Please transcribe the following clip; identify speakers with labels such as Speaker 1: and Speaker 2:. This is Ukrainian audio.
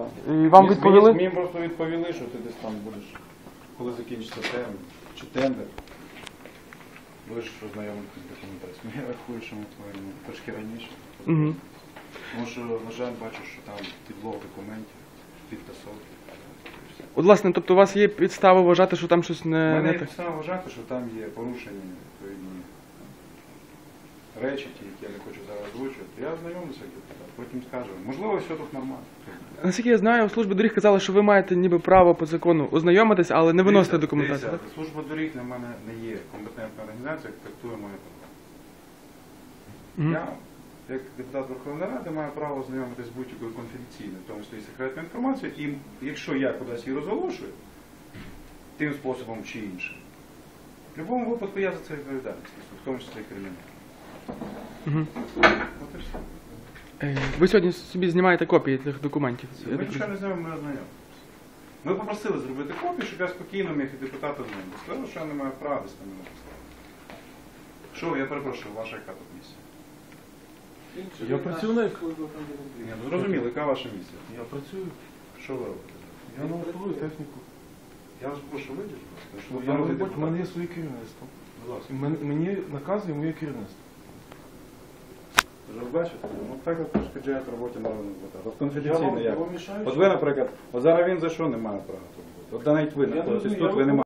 Speaker 1: І вам відповіли?
Speaker 2: Мені просто відповіли, що ти десь там будеш, коли закінчиться термін, чи тендер, будеш ознайомитися з документацією. Я рахую, що ми повинні трошки раніше.
Speaker 1: Угу.
Speaker 2: Тому що, на жаль, бачу, що там підлог документів, підтасовки.
Speaker 1: От, власне, тобто у вас є підстави вважати, що там щось
Speaker 2: У мене
Speaker 1: не
Speaker 2: є
Speaker 1: так?
Speaker 2: підстава вважати, що там є порушення відповідні речі, ті, які я не хочу зараз озвучувати. Я ознайомлюся, як депутат, потім скажу. Можливо, все тут нормально.
Speaker 1: Наскільки я знаю, служба доріг казала, що ви маєте ніби право по закону ознайомитись, але не виносити документацію.
Speaker 2: Дивіться, служба доріг для мене не є компетентна організація, яка трактує моє право. Я, як депутат Верховної Ради, маю право ознайомитися з будь-якою конфіденційною, в тому числі і секретною інформацією, і якщо я кудись її розголошую, тим способом чи іншим, в будь-якому випадку я за це відповідаю, в тому числі і кримінально. От і все.
Speaker 1: Ви сьогодні собі знімаєте копії цих документів?
Speaker 2: Ми нічого не знаємо, ми ознайомимося. Ми попросили зробити копію, щоб я спокійно міг і депутата ознайомитися. Сказали, що я не маю права десь там мене поставити. Що, я перепрошую, ваша яка тут місія?
Speaker 3: Я працівник.
Speaker 2: Ні, ну зрозуміло, яка ваша місія?
Speaker 3: Я працюю.
Speaker 2: Що ви робите?
Speaker 3: Я налаштовую техніку.
Speaker 2: Я вас прошу вийдіть, будь ласка. Що
Speaker 3: Я
Speaker 2: ви
Speaker 3: на
Speaker 2: робите?
Speaker 3: роботі, в мене є своє керівництво.
Speaker 2: Будь ласка.
Speaker 3: Мені наказує моє керівництво.
Speaker 2: Ви ж бачите? Ну так от перешкоджають роботі народного депутата. От конфіденційно як?
Speaker 3: вам мішаю?
Speaker 2: От ви, наприклад, от зараз він за що не має права тут бути? От навіть ви знаходитесь
Speaker 3: розумію,
Speaker 2: тут, ви не